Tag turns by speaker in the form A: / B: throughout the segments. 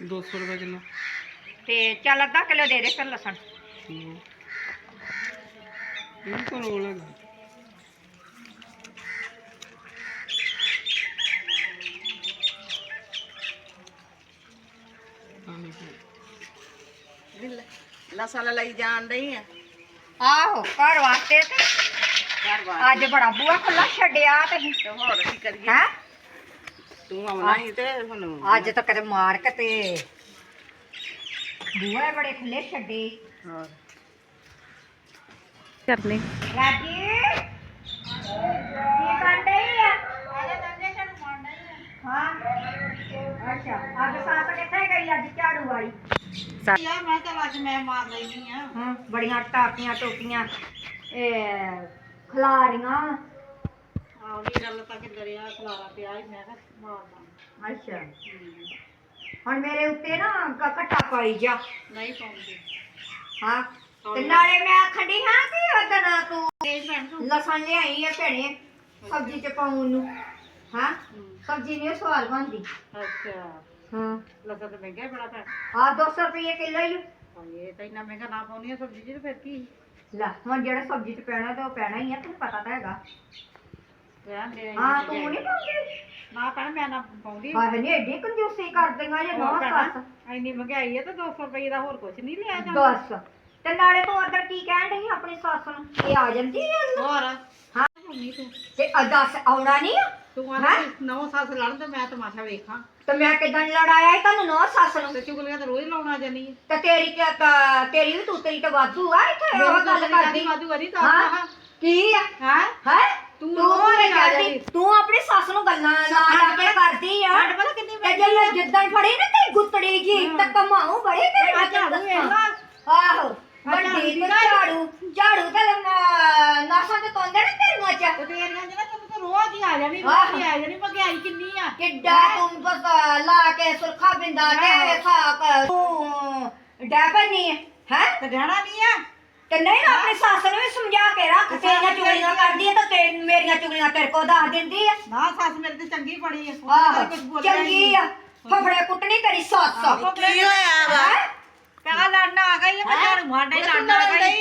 A: 200 रुपये किलो।
B: ते चल अद्धा किलो दे दे फिर लसन।
A: इनको रोल है
C: लसन लाई जान रही है।
B: आहो घर वास्ते ते अज बड़ा बुआ खुला छड्डिया ते
C: होर की करिए
B: हैं
C: तू आउना ही ते हुन
B: अज तो कदे मार के ते बुआ बड़े खुले छड्डे।
C: हां
B: करने राजी की कर रही है? हाँ अच्छा अज सास किथे गई अज झाड़ू वाली?
C: यार मैं तो आज मैं मार लेनी है।
B: हाँ बड़ियां टाकियां टोकियां खलारियां
C: आउनी गल तक दरिया खलारा पिया ही मैं मारना।
B: अच्छा हुण मेरे उत्ते ना कट्टा पाई जा
C: नहीं पाऊंगी।
B: हाँ ते नाले मैं आखड़ी हाँ कि ओदन तू
C: तेज भैन तू
B: लसन लियाई है भैणे सब्जी च पाउण नूं। हाँ सब्जी नहीं स्वाद बनदी।
C: अच्छा
B: हाँ
C: लसन तो महंगा ही बड़ा था।
B: हाँ 200 रुपये किलो ही
C: ये तो इतना महंगा ना पाउनी है सब्जी जी फिर की
B: ला हुण जेड़ा सब्जी च पैना ते ओह पैना ही है तैनूं पता तां हैगा।
C: रहन दे।
B: हाँ तू नहीं पाउंदी
C: ना भैन मैं ना पाऊंगी।
B: हां नहीं एडी कंजूसी कर देंगा जे नौ सस
C: इन्नी महंगाई है तो 200 रुपये का होर कुछ नहीं लिया जाता।
B: बस ते नाले तू उधर की कहण डई अपनी सस नूं ये आ जांदी है
C: और
B: हाँ
C: मम्मी तू
B: ते दस आउणा नहीं
C: तू आना नौ सास लड़न ते मैं तमाशा वेखां
B: ते मैं किदां लड़ाया ही तन्नू नौ सस नूं
C: ते चुगलियां तो रोज लाउणा जानी है।
B: ते तेरी भी तू तेरी ते वाधू आ इत्थे ओह गल करदी
C: वादू वादी तो
B: हाँ की है
C: हां
B: हैं
C: तू
B: तू करदी तू अपनी सस नूं गल्लां ला ला के करदी आ
C: हट पता कितनी
B: ते जे मैं जिद्दण फड़ी ना ते गुत्तड़ी जी ते कमाऊं बड़ी तेरी
C: झाड़ू वेखला
B: आहो बड़ी ते झाड़ू ते नासां ते तोंदे ना तेरियां च
C: ते तेरियां जना तू तो रोज ही आ जानी रोज ही आ जानी महंगाई कितनी आ
B: किड्डा तू बस ला के सुरखा बिंदा के साक तू डैपनी है
C: ते रहना नहीं है
B: ते नहीं ना अपनी सस नूं भी समझा के रख तेरियां चुगलियां करदी है ते मेरियां चुगलियां तेरे को दस दिंदी है।
C: ना सास मेरे ते चंगी पड़ी है
B: आहो
C: कुछ बोल
B: चंगी आ फफड़े कुटनी तेरी सस
C: की होया वा कहा लड़ना आ गई है मैं झाड़ू मारना ही लड़ना आ गई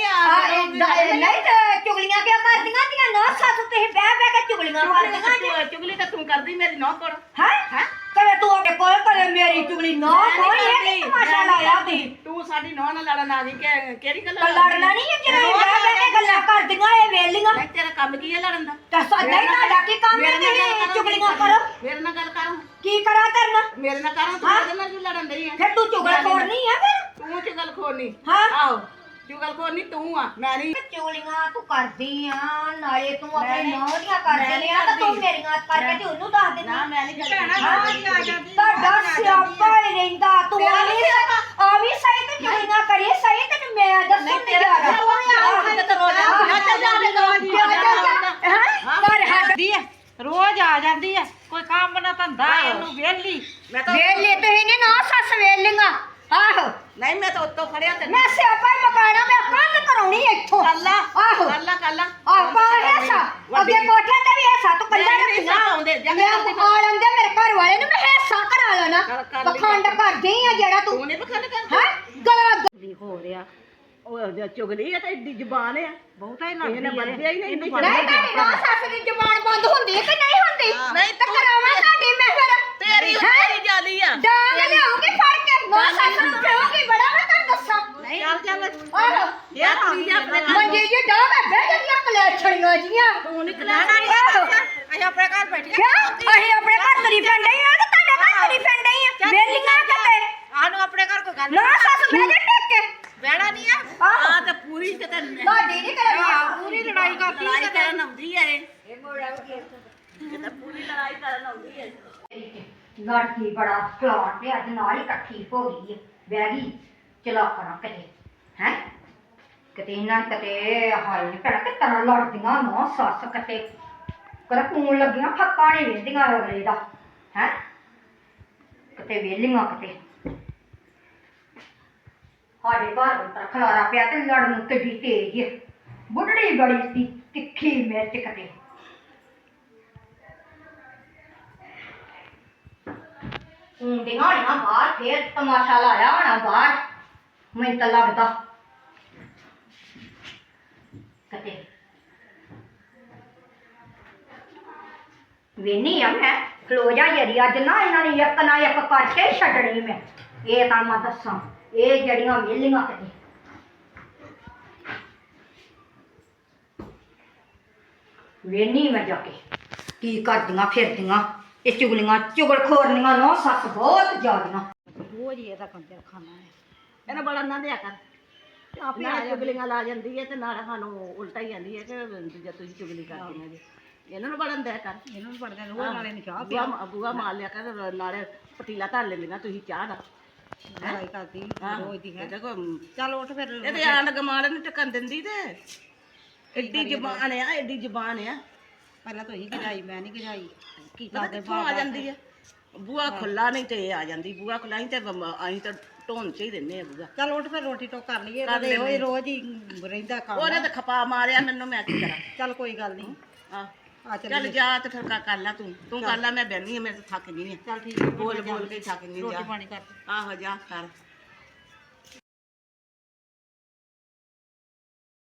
B: नहीं ते चुगलियां क्या करदियां दियां नौ सस ते बह बह के चुगलियां करदियां
C: चुगली तो तू करदी मेरी नौ कोड़
B: हैं कदे तू अपने कोल कदे मेरी चुगली नौ कोई है कि तमाशा लाया ती
C: तू साडी नौ ना लड़न आ गई केड़ी गल
B: लड़ना नहीं है जे बह बह के गल्लां करदियां ए वेलियां
C: नहीं तेरा काम की है लड़न दा
B: ते नहीं ਤੁਹਾਡਾ ਕੀ ਕੰਮ ਹੈ ਕਿ ਚੁਗਲੀਆਂ ਕਰੋ
C: मेरे नाल गल कर
B: ਕੀ ਕਰਾਂ ਕਰਨਾ
C: मेरे नाल कर तू मेरे नाल क्यों लड़न रही है
B: ਫਿਰ ਤੂੰ ਚੁਗਲਖੋਰ ਨਹੀਂ ਹੈ ਫਿਰ
C: तू चुगल खोनी
B: हाँ
C: आओ चुगल खोनी तू आ मैं नहीं
B: ਚੁਗਲੀਆਂ ਤੂੰ ਕਰਦੀ ਆ ਨਾਲੇ ਤੂੰ ਆਪਣੇ ਨੌਂ ਦੀਆਂ ਕਰਦੀ ਆ ਤਾਂ ਤੂੰ ਮੇਰੀਆਂ ਕਰਕੇ ਤੇ ਉਹਨੂੰ ਦੱਸ ਦਿੰਦੀ
C: ना मैं नहीं
B: ਭੈਣਾ,
C: करना आ जाती
B: ਤੁਹਾਡਾ ਸਿਆਪਾ ਹੀ ਰਹਿੰਦਾ ਤੂੰ ਆ ਵੀ ਸਹੀ ਤੇ ਚੁਗਲੀਆਂ ਕਰੀ ਸਹੀ ਤੈਨੂੰ ਮੈਂ ਦੱਸੂ ਨਹੀਂ ਆ
C: रोज आ जाती है कोई काम ना धंधा इनू वेली मैं तो
B: ਵੇਲੇ ਤੇ ਇਹਨੇ ਨਾ ਸੱਸ ਵੇਲੀਆਂ ਆਹੋ
C: नहीं मैं तो उत्तो खड़िया ते
B: ਮੈਂ ਸਿਆਪਾ ਹੀ ਮਕਾਣਾ ਮੈਂ ਕੰਨ ਕਰਾਉਣੀ ਇੱਥੋਂ
C: कल्ला
B: ਆਹੋ
C: कल्ला कल्ला
B: ਆਹ ਪਾ ਹੈਸਾ ਅੱਗੇ ਕੋਠੇ ਤੇ ਵੀ ਹੈਸਾ ਤੂੰ ਕੱਲਾ
C: ਨਹੀਂ,
B: ਰੱਖਣਾ
C: ਆਉਂਦੇ, ਜਗ੍ਹਾ
B: ਮੈਂ
C: ਆਉਂਦੀ।
B: ਆ ਲੰਦੇ ਮੇਰੇ ਘਰ ਵਾਲੇ ਨੂੰ ਮੈਂ ਹੈਸਾ ਕਰਾ ਲੈਣਾ
C: ਕਰ ਲਈ।
B: ਪਖੰਡ ਕਰਦੀ ਆ ਜਿਹੜਾ ਤੂੰ
C: तू नहीं पखंड कर
B: ਹੈ ਗਲਾ
C: हो रहा ओ चुगली है तो इतनी जुबान है बहुत ही लगदी है बंदे ही नहीं
B: ਨਹੀਂ ਤੁਹਾਡੀ ਨਾ ਸੱਸ ਦੀ ਜ਼ੁਬਾਨ ਬੰਦ ਹੁੰਦੀ ਹੈ ਕਿ ਨਹੀਂ ਹੁੰਦੀ ਨਹੀਂ ਤਾਂ ਕਰਾਵਾਂ ਤੁਹਾਡੀ ਮੈਂ ਫਿਰ
C: तेरी तेरी जाली है
B: ਡਾਂਗ ਲਿਆਉਂਗੀ ਫੜ ਕੇ ਨਾ ਸੱਸ ਨੂੰ ਪਿਓਗੀ ਬੜਾ ਮੈਂ ਤੈਨੂੰ ਦੱਸਾਂ
C: चल चल
B: ਆਹੋ
C: यार अपने
B: ਮੰਜੇ ਜੀ ਡਾਂਗ ਹੈ ਬਹਿ ਜਾਂਦੀਆਂ ਕਲੇਛੜੀਆਂ ਜੀਆਂ
C: तू निकला ना
B: ਆਹੋ
C: ਅਸੀਂ ਆਪਣੇ ਘਰ ਬੈਠੇ
B: ਕਿਆ ਅਸੀਂ ਆਪਣੇ ਘਰ ਤਰੀ ਪੈਂਦੇ ਆ ਤੇ ਤੁਹਾਡੇ ਘਰ ਤਰੀ ਪੈਂਦੇ ਆ ਵੇਲੀਆਂ ਕਿਤੇ
C: ਆਨੂੰ ਆਪਣੇ ਘਰ ਕੋਈ ਗੱਲ
B: ਨਾ ਸੱਸ ਬਹਿ ਜਾ ਟਿਕ ਕੇ
C: ਬਹਿਣਾ ਨਹੀਂ ਆ
B: ਆਹੋ।
C: ਆ ਤੇ ਪੂਰੀ ਤੇ
B: ਤੁਹਾਡੀ ਨਹੀਂ ਕਰਨੀ
C: ਪੂਰੀ ਲੜਾਈ ਕਰਦੀ ਲੜਾਈ ਕਰਨ ਆਉਂਦੀ ਹੈ ਇਹ ਤਾਂ ਪੂਰੀ ਲੜਾਈ ਕਰਨ ਆਉਂਦੀ ਹੈ
B: ਲੜਕੀ ਬੜਾ ਪਲਾਨ ਤੇ ਅੱਜ ਨਾਲ ਹੀ ਇਕੱਠੀ ਹੋ ਗਈ ਹੈ ਬਹਿ ਗਈ ਚਲਾ ਕਰਾਂ ਕਿਤੇ ਹੈ ਕਿਤੇ ਇਹਨਾਂ ਨੇ ਕਿਤੇ ਹਾਲ ਨਹੀਂ ਪੈਣਾ ਕਿ ਤਰ੍ਹਾਂ ਲੜਦੀਆਂ ਨੋ ਸੱਸ ਕਿਤੇ ਕਦੇ ਕੂਣ ਲੱਗੀਆਂ ਫੱਕਾ ਨਹੀਂ ਵੇਂਦੀਆਂ ਅਗਲੇ ਦਾ ਹੈ ਕਿਤੇ ਵੇਲੀਆਂ ਕਿਤੇ ਸਾਡੇ ਘਰ ਅੰਦਰ ਖਲਾਰਾ ਪਿਆ ਤੇ ਲੜਨ ਕਿੱਡੀ ਤੇਜ਼ ਹੈ ਬੁੱਢੜੀ ਬੜੀ ਸੀ ਤਿੱਖੀ ਮਿਰਚ ਕਿਤੇ ਹੁੰਦੀਆਂ ਹੋਣੀਆਂ ਬਾਹਰ ਫੇਰ ਤਮਾਸ਼ਾ ਲਾਇਆ ਹੋਣਾ ਬਾਹਰ ਮੈਨੂੰ ਤਾਂ ਲੱਗਦਾ ਕਤੇ ਵੇਨੀ ਆ ਮੈਂ ਖਲੋ ਜਾ ਯਰੀ ਅੱਜ ਨਾ ਇਹਨਾਂ ਨੇ ਇੱਕ ਨਾ ਇੱਕ ਕਰਕੇ ਹੀ ਛੱਡਣੀ ਮੈਂ ਇਹ ਤਾਂ ਮੈਂ ਦੱਸਾਂ ਇਹ ਜੜੀਆਂ ਵੇਲੀਆਂ ਕਤੇ ਵੇਨੀ ਮੈਂ ਜਾ ਕੇ ਕੀ ਕਰਦੀਆਂ ਫਿਰਦੀਆਂ ਇਹ ਚੁਗਲਖੋਰਨੀਆਂ ਨੋ ਸੱਸ ਬਹੁਤ ਜ਼ਿਆਦੀਆਂ
C: ਰੋਜ਼ ਹੀ ਇਹਦਾ ਕੰਜਰ ਖਾਣਾ ਹੈ ਇਹਨੇ ਬੜਾ ਨਾ ਦਿਆ ਕਰ ਆਪੇ ਆ ਚੁਗਲੀਆਂ ਲਾ ਜਾਂਦੀ ਹੈ ਤੇ ਨਾਲ ਸਾਨੂੰ ਉਲਟਾ ਹੀ ਜਾਂਦੀ ਹੈ ਕਿ ਦੂਜਾ ਤੁਸੀਂ ਚੁਗਲੀ ਕਰਦੀਆਂ ਜੇ ਇਹਨਾਂ ਨੂੰ ਬੜਨ ਦਿਆ ਕਰ ਇਹਨਾਂ ਨੂੰ ਬੜਦਾ ਰੋਜ਼ ਨਾਲੇ ਨੂੰ ਚਾਹ ਪਿਆ ਬੂਆ ਮਾਰ ਲਿਆ ਕਰ ਨਾਲੇ ਪਤੀਲਾ ਧਰ ਲੈਂਦੀਆਂ ਤੁਸੀਂ ਚਾਹ ਦਾ ਲੜਾਈ ਕਰਦੀ ਰੋਜ਼ ਦੀ ਹੈ ਚੱਲ ਉੱਠ ਫਿਰ ਇਹਦੇ ਆਂਡ ਗਮਾਲ ਨੂੰ ਟਕਣ ਦਿੰਦੀ ਤੇ ਐਡੀ ਜ਼ਬਾਨ ਆ ਐਡੀ ਜ਼ਬਾਨ ਆ ਪਹਿਲਾਂ ਤਾਂ ਹੀ ਗਜਾਈ ਮੈਂ ਨਹੀਂ ਗਜਾਈ ਕੀ ਕਰਦੇ ਆ ਜਾਂਦੀ ਹੈ ਬੂਆ ਖੁੱਲਾ ਨਹੀਂ ਤੇ ਇਹ ਆ ਜਾਂਦੀ ਬੂਆ ਖੁੱਲਾ ਨਹੀਂ ਤੇ ਅਸੀਂ ਤਾਂ ਢੋਣ ਚ ਹੀ ਦਿੰਦੇ ਆ ਬੂਆ ਚੱਲ ਉੱਠ ਫਿਰ ਰੋਟੀ ਟੋਕ ਕਰ ਲਈਏ ਉਹਦੇ ਰੋਜ਼ ਹੀ ਰਹਿੰਦਾ ਕੰਮ ਉਹਨੇ ਤਾਂ ਖਪਾ ਮਾਰਿਆ ਮੈਨੂੰ ਮੈਂ ਕੀ ਕਰਾਂ ਚੱਲ ਕੋਈ ਗੱਲ ਨਹੀਂ ਆ ਚੱਲ ਜਾ ਤੇ ਫਿਰ ਕਰ ਲੈ ਤੂੰ ਕਰ ਲੈ ਮੈਂ ਬੈਠੀ ਆ ਮੈਂ ਤਾਂ ਥੱਕ ਗਈ ਆ ਚੱਲ ਠੀਕ ਬੋਲ ਕੇ ਥੱਕ ਗਈ ਰੋਟੀ ਪਾਣੀ ਕਰ ਆਹੋ ਜਾ ਕਰ